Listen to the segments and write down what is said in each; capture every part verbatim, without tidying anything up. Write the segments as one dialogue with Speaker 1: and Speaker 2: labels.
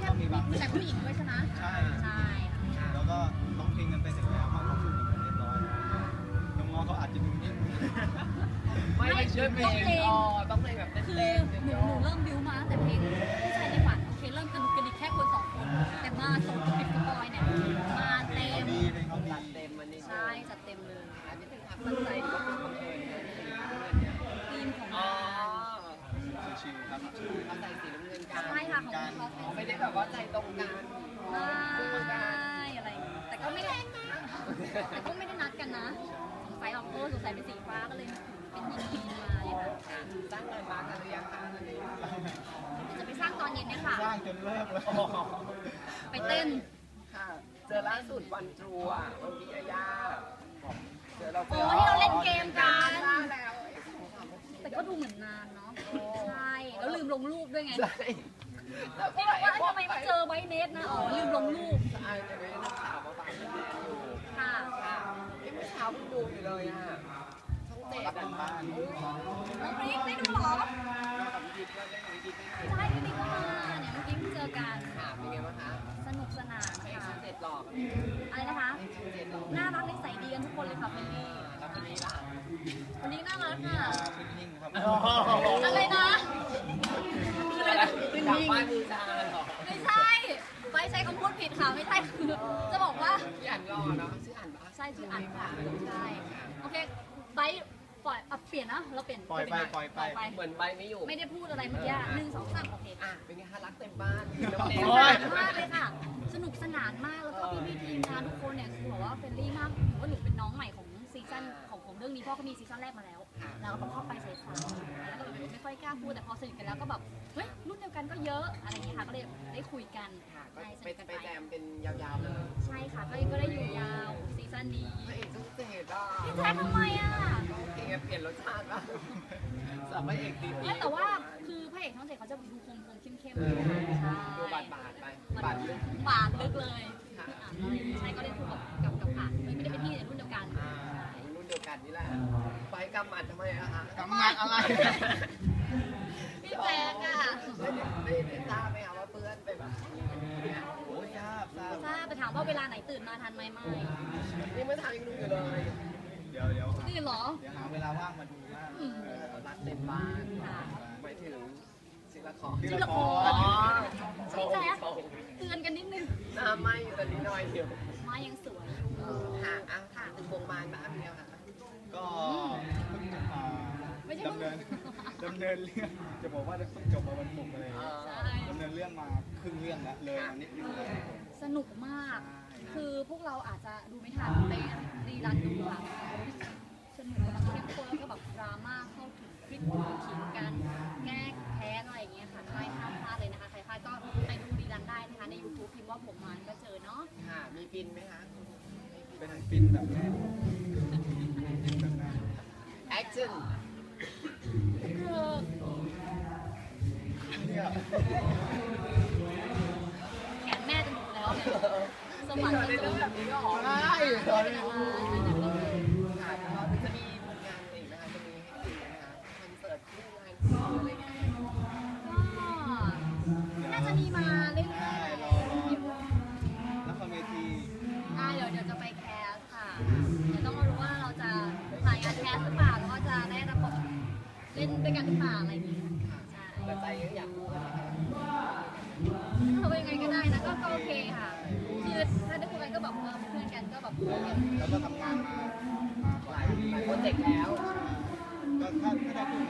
Speaker 1: ก็มีบางแต่ผู้หญิงด้วยใช่ไหมใช่ใช่แล้วก็ร้องเพลงกันไปเสร็จแล้วมาควบคุมกันเรียบร้อยน้องๆเขาอาจจะดูนิ่ง
Speaker 2: ไม่ไม่ช่วยเพลงอ๋อต้องเพลงแบบเต้นๆคือหนู
Speaker 3: หนูเริ่มบิวมาแต่เพลงผู้ชายในฝันโอเคเริ่มกระดุกกระดิกแค่คนสองคนแต่มาส่งปิดสปอยเนี่ยมาเต็ม
Speaker 2: จัดเต็มมันนี่
Speaker 3: ใช่จัดเต็มเลย
Speaker 2: อันนี้เป็นความตั้งใจหรือว่าเป็นบังเอิญ
Speaker 3: ทีมของง
Speaker 1: านชิวๆครับ
Speaker 2: เขาใส่สีน้ำเงินกัน
Speaker 3: ใช่ค่ะของเขา
Speaker 2: ไม่ได้แบบว่าใจตรงกัน
Speaker 3: ไม่อะไรแต่ก็ไม่ได้แต่ก็ไม่ได้นัดกันนะสงสัยออกโก้สงสัยเป็นสีฟ้าก็เลยเป็นยินดีมาเลยค่ะ
Speaker 2: สร้างเงินมากันหรือยังคะตอนนี้
Speaker 3: จะไปสร้างตอนเย็นเนี่ยค่ะ
Speaker 1: สร้างจนเลิกแล้ว
Speaker 3: ไปเต้น
Speaker 2: ค่ะเจอล่าสุดวันทรูอ่ะวันพี่ยาเจอเรา
Speaker 3: โอ้ที่เราเล่นเกมกันแต่ก็ดูเหมือนนานเนาะใช่แล้วลืมลงรูปด้วยไงพี่บอกว่าทำไมมาเจอไวเนสนะอ๋อลืมลงรูป
Speaker 2: ใช่แต่ไม่ได้นักข่าวมาฝากอยู่
Speaker 3: ค่ะ
Speaker 2: ค่ะที่เมื่อเช้าเพิ่งดูอยู่เลยอ่ะช่องเจ็ดอ่ะ
Speaker 1: บ้าน
Speaker 3: น้องพริกได้ดูหรอ
Speaker 2: กับพี่ก็ได้กับพี่ก็
Speaker 3: ใช่พี่บิ๊กก็มาเนี่ยเมื่อกี้เพิ่งเจอกัน
Speaker 2: ค่ะเป็นไงบ้างคะ
Speaker 3: สนุกสนาน
Speaker 2: ค่ะช่องเจ็ดหลอก
Speaker 3: อะไรนะคะน่ารักนิสัยดีกันทุกคนเลยค่ะเฟรนลี่
Speaker 2: แล้วคนนี้ล่ะ
Speaker 3: คนนี้น่ารักค่ะ
Speaker 1: นิ่งๆครับ
Speaker 3: อะไรนะ
Speaker 2: คืออะไรเป็นนิ่งบ้านมือชาหรอ
Speaker 3: ไม่ใช่ไปใช้คำพูดผิดค่ะไม่ใช่คือจะบอกว่า
Speaker 2: ชื่ออ่านรอเนาะชื่ออ่านปะ
Speaker 3: ใช่ชื่ออ่านค่ะใช่โอเคไปปล่อยเปลี่ยนนะเราเปลี่ยน
Speaker 1: ปล่อยไปปล่อยไป
Speaker 2: เหมือนใบไม่อยู่
Speaker 3: ไม่ได้พูดอะไรเมื่อกี้หนึ่งสองสามโอเค
Speaker 2: อ่ะเป็นไงคะรักเต็มบ้านสนุก
Speaker 3: มากเลยค่ะสนุกสนานมากแล้วก็พี่ๆทีมงานทุกคนเนี่ยคือบอกว่าเฟรนลี่มากถือว่าหนูเป็นน้องใหม่ของซีซั่นของของเรื่องนี้เพราะเขามีซีซั่นแรกมาแล้วแล้วก็เข้าไปใส่สายแล้วก็ไม่ค่อยกล้าพูดแต่พอสนิทกันแล้วก็แบบเฮ้ยรุ่นเดียวกันก็เยอะอะไรอย่างเงี้ยค่ะก็เลยได้คุยกัน
Speaker 2: ไปไปแจมเป็นยาวๆเลย
Speaker 3: ใช่ค่ะก็ก็ได้อยู่ยาวซีซั่นนี้
Speaker 2: พระเอกต้องเจ็ดอ่ะ
Speaker 3: พี่แจ๊คทำไมอ่ะ
Speaker 2: เองเปลี่ยนรสชาติละสามพระเอกดี
Speaker 3: ๆแต่ว่าคือพระเอกทั้งเจ็ดเขาจะดูคมคมเข้มเข้มใช่
Speaker 2: ดูบาดบาดไปบาดลึก
Speaker 3: บาดลึกเลยใช่ก็ได้พูดกับกับกับผ่านไม่ได้เป็นพี่ในรุ่นเดียวกัน
Speaker 2: รุ่นเดียวกันนี่แหละไปกำหมัดทำไมอะคะ
Speaker 1: กำหมัดอะไร
Speaker 3: พี่แจ๊คอะ
Speaker 2: ไม่ได้ไม่ได้ทราบไหมคะว่าเพื่อนไปแบบ
Speaker 1: โอ้ยทราบทราบ
Speaker 3: ทราบไปถามว่าเวลาไหนตื่นมาทันไหมไม่
Speaker 2: นี่ไม่ทำยังดูอยู่เลย
Speaker 1: เดี๋ยวเดี๋ยว
Speaker 3: นี่เหรอ
Speaker 1: เดี๋ยวหาเวลาว่างมาดูว่า
Speaker 2: รักเต็มบ้านไปถึงศิลปะ
Speaker 3: ศิลปะพี่แจ๊คเตือนกันนิดนึง
Speaker 2: หน้าไหม้ตอนนี้น้อยเดียว
Speaker 3: มายังสวย
Speaker 2: ค่ะอ่ะค่ะถึงวงบานบ้านเดียวค่ะ
Speaker 1: ก็เพิ่งดำเนินดำเนินเรื่องจะบอกว่าต้องจบมาวันศุกร์เลยดำเนินเรื่องมาครึ่งเรื่องแล้วเลยนิดนึงเลย
Speaker 3: สนุกมากคือพวกเราอาจจะดูไม่ทันไปรีรันดูค่ะสนุกแบบเข้มข้นแล้วก็แบบดราม่าเข้าถึงพลิกขิงกันแก้แค้นอะไรอย่างเงี้ยค่ะใครห้ามพลาดเลยนะคะใครพลาดก็ไปดูรีรันได้นะคะใน ยูทูบ พิมพ์ว่าผมมันก็เจอเนาะ
Speaker 2: ค่ะมีปินไหมคะ
Speaker 1: เป็นปินแบบ
Speaker 2: แอคชั่น
Speaker 3: แขนแม่จะหมดแล้วสมัคร
Speaker 2: ในเรื่องแบบนี้ก็อ๋อได้ตอนนี้ค่ะแล้วจะมีผลงานอะไรอีกไหมคะจะมีให้ดูไหมคะคอนเสิร์ตที่ไลน์อะไรเงี้ย
Speaker 3: ก็น่าจะมีมาเรื่อยๆ
Speaker 1: รอละครเวที
Speaker 3: อ่าเดี๋ยวเดี๋ยวจะไปแคสค่ะเดี๋ยวต้องมารู้ว่าเราจะถ่ายงานแคสหรือเปล่าแล้วก็จะได้รับบทเล่นด้วยกันหรือเปล่าอะไรอย่างเงี้ย
Speaker 2: แต่ใจก็อยากรู้นะ
Speaker 3: ทำยังไงก็ได้นะก็โอเคค่ะคือถ้าได้คุยกันก็แบบเพื่อนกันก็แบบ
Speaker 1: แล้วก็ทำงานมา
Speaker 2: หลายหลายโปรเจกต์แล้ว
Speaker 1: ก็ถ้าถ้าได้ดู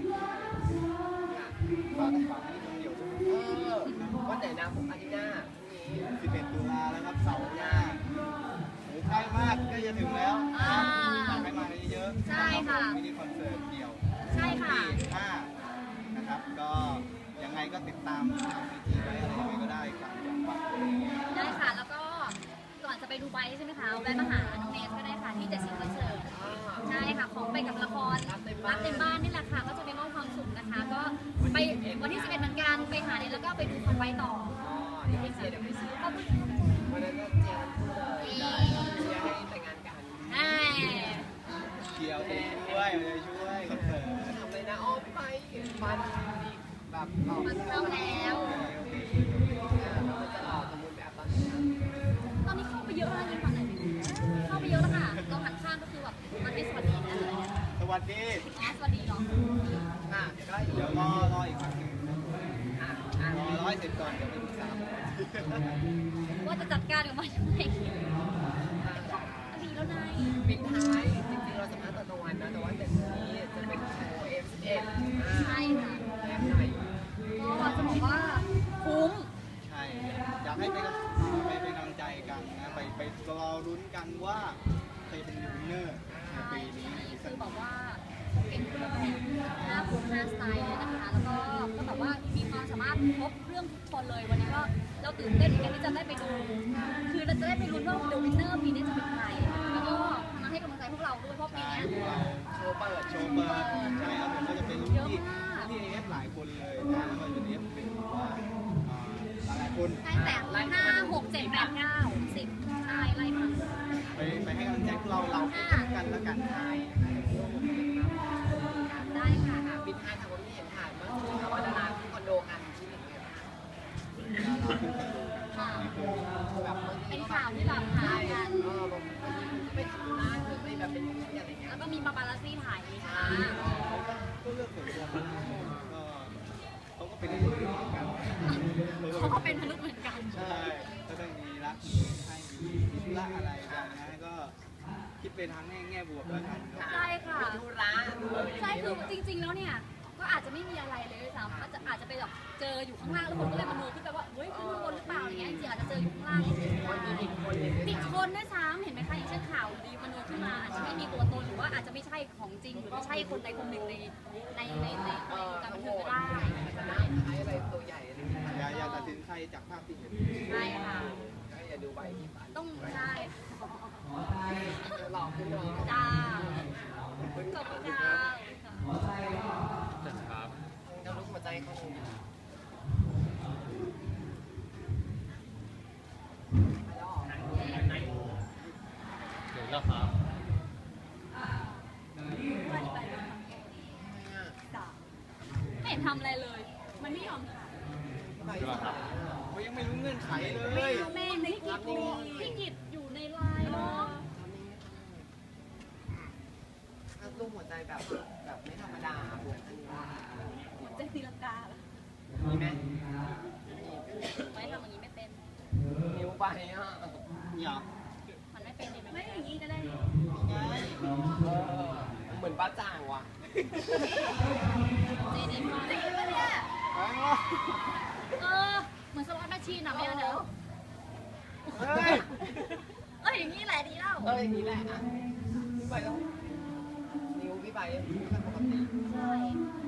Speaker 1: ก็ต้องฝากให้คนเดียว
Speaker 2: วันไหนนะผมอาทิตย์หน้า
Speaker 1: สิบเอ็ดตุลาแล้วครับเสาร์หน้าโอ้ใกล้มากก็จะถึงแล้วฝากให้มาเยอะ
Speaker 3: ใช่ค่ะ
Speaker 1: มินิคอนเสิร์ตเดี่ยว
Speaker 3: ใช่ค่ะ
Speaker 1: ที่ห้านะครับก็ยังไงก็ติดตามทางวิธีไว้อะไรยังไงก็ได้ฝากจังหวัด
Speaker 3: ได้ค่ะแล้วก็ก่อนจะไปดูไบใช่ไหมคะแวะมาหาน้องเนสก็ได้ค่ะที่เจ็ดสิบคอนเสิร์ตใช่ค่ะของไปกับละครรักเต็มบ้านนี่แหละค่ะก็จะไปมอบความสุขนะคะก็ไปวันที่สิบเอ็ดเหมือนกันไปหาเนสแล้วก็ไปดูคอนไบต่อ
Speaker 2: เดี๋ยวไปเชียร์เดี๋ยวไปเชียร์วันนั้นก็เชียร์เชียร์ให้แต่งงานกัน
Speaker 3: ใช่
Speaker 1: เชียร์ช่วยช่วยคอนเสิร์ต
Speaker 2: ทำเลยนะอ้อมไปมันแบบ
Speaker 3: มันเข้าแล้ว
Speaker 1: เสร็จก่อนเดี๋ยวไปปรึกษาผม
Speaker 3: ว่าจะจัดการกับมันยังไงดีแล้วนาย
Speaker 2: ปิดท้ายจริงๆเราสัมภาษณ์ตอนกลางวันนะแต่ว่าเดี๋ยวนี้จะเป็นโชว์ เอฟ สิบเอ็ด
Speaker 3: ใช่ค่ะ
Speaker 2: แอบหน่อย
Speaker 3: ก็จะบอกว่าคุ้ม
Speaker 1: ใช่อยากให้ไปไปเป็นกำลังใจกันนะไปไปรอลุ้นกันว่าใครเป็นวินเนอร์ในปีนี้ในซี
Speaker 3: คื
Speaker 1: ซั่น
Speaker 3: อแบบว่าเป็นเครื่องแบบห้าคนห้าสไตล์เลยนะคะ แล้วก็ก็แบบว่ามีความสามารถครบเครื่องทุกคนเลยวันนี้ก็เราตื่นเต้นเหมือนกันที่จะได้ไปดู คือเราจะได้ไปลุ้นว่าเดอะวินเนอร์ปีนี้จะเป็นใครแล้วก็มาให้กำลังใจพวกเราด้วยเพราะปี
Speaker 1: ใช่
Speaker 3: นี้
Speaker 1: พวกเรา
Speaker 2: โชว์เปิด
Speaker 1: โชว์เปิดใช่ครับผมก็จะเป็นรุ่นพี่ที่เอฟหลายคนเลยนะแล้วก็อยู่ในเอฟหนึ่งว่าอ่าหลายๆคน
Speaker 3: ได้แต่ห้าหกเจ็ดแปดเก้าสิบใช่ไล่มา
Speaker 1: ไปไปให้กำลังใจพวกเราเรากันแล้วกันใช่
Speaker 3: ได้ค่ะ
Speaker 2: ปิดท้ายทางวันนี้เห็นผ่านเมื่อคืนค่ะว่าดาราขึ้นคอนโดกันที่อย่างเงี้ย
Speaker 1: เราขึ้นคอนโดกัน
Speaker 3: ค่ะ
Speaker 1: นี่คือ
Speaker 2: แบบบางที
Speaker 3: เป็น
Speaker 2: ก็
Speaker 3: ข่าวที่แบบหากัน
Speaker 2: เออบางทีก็ไปทำธุระหรือไปแบบเป็นที่อะไรเงี้ย
Speaker 3: แล้วก็มีปาปารัสซี่ถ่ายค่ะ
Speaker 1: ก็เลือกส่วนตัวมันก็เขาก็เป็นมนุษย์เหมือนกัน
Speaker 3: เขาก็เป็นมนุษย์เหมือนกัน
Speaker 1: ใช่ก็ต้องมีรักมีให้มีธุระอะไรกันนะก็คิดเป็นทางแง่แง่บวกแล้วกันครับ
Speaker 3: ใช่ค่ะ
Speaker 2: มีธุระด้วย
Speaker 3: ใช่คือจริงๆแล้วเนี่ยก็อาจจะไม่มีอะไรเลยด้วยซ้ำอาจจะอาจจะไปแบบเจออยู่ข้างล่างแล้วคนก็เลยมโนขึ้นไปว่าเฮ้ยขึ้นข้างบนหรือเปล่าอะไรเงี้ยจริงๆอาจจะเจออยู่ข้างล่างเฉย
Speaker 2: คนมีผิดคนเลย
Speaker 3: ๆผิดคนด้วยซ้ำเห็นไหมคะอย่างเช่นข่าวดีมโนขึ้นมาอาจจะไม่มีตัวตนหรือว่าอาจจะไม่ใช่ของจริงหรือไม่ใช่คนใดคนหนึ่งในในในใน
Speaker 2: เออ
Speaker 3: การ
Speaker 2: ทั้
Speaker 3: บั
Speaker 2: ง
Speaker 3: น
Speaker 2: หม
Speaker 3: เทิง
Speaker 2: ด
Speaker 3: ก็ได้
Speaker 2: จะน่าคล้ายอะไรตัวใหญ่อะไรอย่างเงี้ย
Speaker 1: อย่าอย่าตัดสินใครจากภาพที่เห็น
Speaker 3: ใช่ค่ะ
Speaker 2: ก็อย่าดูใบที่ฝัน
Speaker 3: ต้องใช่
Speaker 2: หลอกขึ้นเนาะ
Speaker 3: จ้าขอบคุณค่ะ
Speaker 2: เจ้าลูกหัวใจเขาหนึ่งแล้ว
Speaker 4: เดี๋ยวเราครับ
Speaker 3: ไม่เห็นทำอะไรเลย มันไม่ยอมถ่าย
Speaker 2: ไปสาย
Speaker 1: เขายังไม่รู้เงื่อนไขเลย
Speaker 3: แม่ไม่กิจพี่กิจอยู่ในไลน์เนาะ
Speaker 2: ถ้าลูกหัวใจแบบแบบไม่ธรรมดาบวกอันนี้ว่า
Speaker 3: หัวใจตีลังกาแล้ว
Speaker 2: มีไหม
Speaker 3: ไม่ทำอย่างนี้ไม่เป็น
Speaker 2: นิ้วไปอ่ะ
Speaker 1: อย่า
Speaker 3: มันไม่เป็นไม่อย่างนี้ก็ได้
Speaker 1: ไง
Speaker 2: เออเหมือนป้าจ่างว่ะ
Speaker 3: เจดีมาจริงปะเนี่ย
Speaker 1: แพงวะ
Speaker 3: เออเหมือนสล็อตแมชชีนอะไม่เอาเดี๋ยว
Speaker 1: เฮ้ย
Speaker 3: เอออย่างนี้แหละดีแล้ว
Speaker 2: เอออย่างนี้แหละอ่ะพี่ไปแล้วนิ้วพี่ไปไม่ค่อยปกติ
Speaker 3: ใช่